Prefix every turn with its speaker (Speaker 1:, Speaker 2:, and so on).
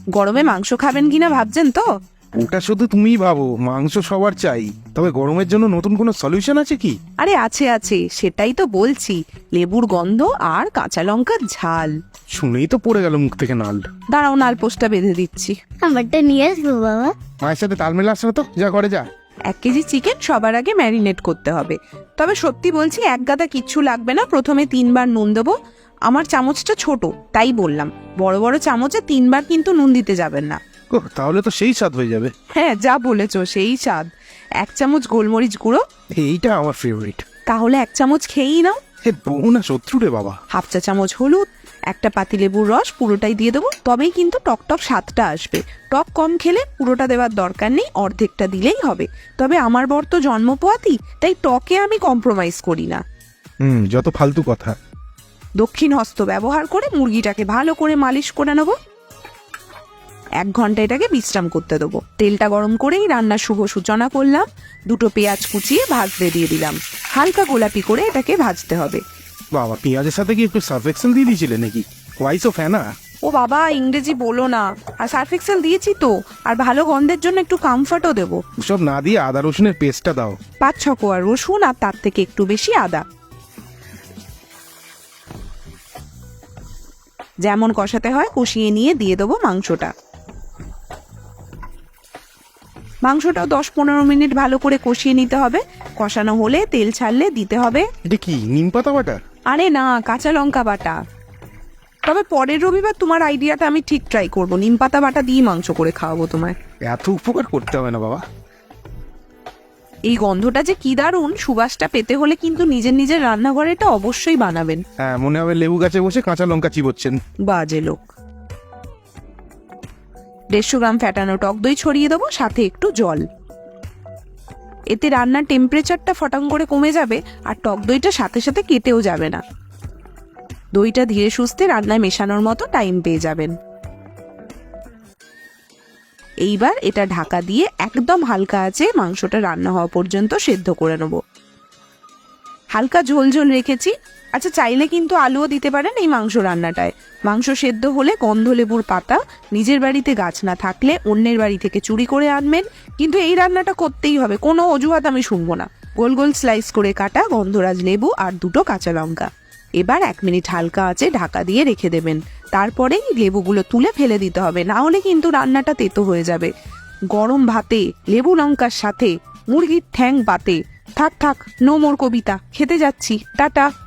Speaker 1: গরমে মাংস খাবেন কিনা ভাবছেন তো?
Speaker 2: ওটা শুধু তুমিই ভাবো, মাংস সবার চাই, তবে গরমের জন্য নতুন কোনো সলিউশন আছে কি?
Speaker 1: আরে আছে আছে, সেটাই তো বলছি। লেবুর গন্ধ আর কাঁচা লঙ্কার ঝাল।
Speaker 2: শুনেই তো পড়ে গেল মুখ থেকে নাল।
Speaker 1: দাঁড়াও, নালপোস্টটা বেঁধে দিচ্ছি।
Speaker 3: আমারটা নিয়ে আসবো বাবা।
Speaker 2: মায়ের সাথে তাল মেলাস না তো, যা করে যা।
Speaker 1: 1 কেজি চিকেন সবার আগে ম্যারিনেট করতে হবে। তবে সত্যি বলছি, এক গাদা কিচ্ছু লাগবে না। প্রথমে 3 বার নুন দেবো। আমার চামচটা ছোট, তাই বললাম। বড় বড় চামচে 3 বার কিন্তু নুন দিতে যাবেন না।
Speaker 2: ওহ, তাহলে তো সেই স্বাদ হয়ে যাবে।
Speaker 1: হ্যাঁ, যা বলেছো, সেই স্বাদ। 1 চামচ গোলমরিচ গুঁড়ো।
Speaker 2: এইটা আমার ফেভারিট।
Speaker 1: তাহলে 1 চামচ খেয়েই নাও।
Speaker 2: হে বউ না শত্রু রে বাবা।
Speaker 1: 1/2 চা চামচ হলুদ। 1টা পাতিলেবুর রস পুরোটাই দিয়ে দেবো, তবেই কিন্তু টকটক স্বাদটা আসবে। টক কম খেলে পুরোটা দেওয়ার দরকার নেই, অর্ধেকটা দিলেই হবে। তবে আমার বর তো জন্ম পোয়াতি, তাই টকে আমি কম্প্রোমাইজ করি না।
Speaker 2: যত ফালতু কথা।
Speaker 1: দক্ষিণ হস্ত ব্যবহার করে মুরগিটাকে ভালো করে মালিশ করে নেবো। 1 ঘন্টা এটাকে বিশ্রাম করতে দেবো। তেলটা গরম করেই রান্নার শুভ সূচনা করলাম। 2টো পেঁয়াজ কুচিয়ে ভাজতে দিয়ে দিলাম। হালকা গোলাপি করে এটাকে ভাজতে হবে।
Speaker 2: বাবা, পেঁয়াজের সাথে কি একটু সার্ফ এক্সেল দিয়ে দিয়েছিলে নাকি? ওয়াইস অফ হ্যানা।
Speaker 1: ও বাবা, ইংরেজি বলো না। আর সার্ফ এক্সেল দিয়েছি তো। আর ভালো গন্ধের জন্য একটু কমফর্টও দেবো।
Speaker 2: সব না দিয়ে আদা রসুনের পেস্টটা দাও।
Speaker 1: 5-6 কোয়া রসুন আর তার থেকে একটু বেশি আদা। যেমন কষাতে হয় কষিয়ে নিয়ে দিয়ে দেবো মাংসটা। মাংসটাও 10-15 মিনিট ভালো করে কষিয়ে নিতে হবে। কষানো হলে তেল ছাড়লে দিতে হবে।
Speaker 2: এটা কি নিম পাতা বাটা?
Speaker 1: আরে না, কাঁচা লঙ্কা বাটা। তবে পরের রবিবার তোমার আইডিয়াটা আমি ঠিক ট্রাই করবো। নিম পাতা বাটা দিয়ে মাংস করে খাওয়াবো তোমায়।
Speaker 2: এত উপকার করতে হবে না বাবা।
Speaker 1: এই গন্ধটা যে কি দারুণ, সুবাসটা পেতে হলে কিন্তু নিজের নিজের রান্নাঘরে এটা অবশ্যই বানাবেন।
Speaker 2: হ্যাঁ, মনে হবে লেবু গাছে বসে কাঁচা লঙ্কা চিবোচ্ছেন।
Speaker 1: বাজে লোক। 150 গ্রাম ফ্যাটানো টক দই ছড়িয়ে দেবো, সাথে একটু জল। এতে রান্নার টেম্পারেচারটা ফটাং করে কমে যাবে, আর টক দইটা সাথে সাথে কেটেও যাবে না। দইটা ধীরে সুস্থে রান্নায় মেশানোর মতো টাইম পেয়ে যাবেন। এইবার এটা ঢাকা দিয়ে একদম হালকা আঁচে মাংসটা রান্না হওয়া পর্যন্ত সেদ্ধ করে নেব। হালকা ঝোল ঝোল রেখেছি। আচ্ছা, চাইলে কিন্তু আলুও দিতে পারেন এই মাংস রান্নাটায়। মাংস সেদ্ধ হলে গন্ধলেবুর পাতা, নিজের বাড়িতে গাছ না থাকলে অন্যের বাড়ি থেকে চুরি করে আনবেন। কিন্তু এই রান্নাটা করতেই হবে, কোনো অজুহাত আমি শুনবো না। গোল গোল স্লাইস করে কাটা গন্ধরাজ লেবু আর 2টো কাঁচা লঙ্কা। এবার 1 মিনিট হালকা আঁচে ঢাকা দিয়ে রেখে দেবেন। তারপরেই লেবুগুলো তুলে ফেলে দিতে হবে, না হলে কিন্তু রান্নাটা তেতো হয়ে যাবে। গরম ভাতে লেবু লঙ্কার সাথে মুরগির ঠ্যাং পাতে। থাক থাক, নো মোর কবিতা। খেতে যাচ্ছি, টাটা।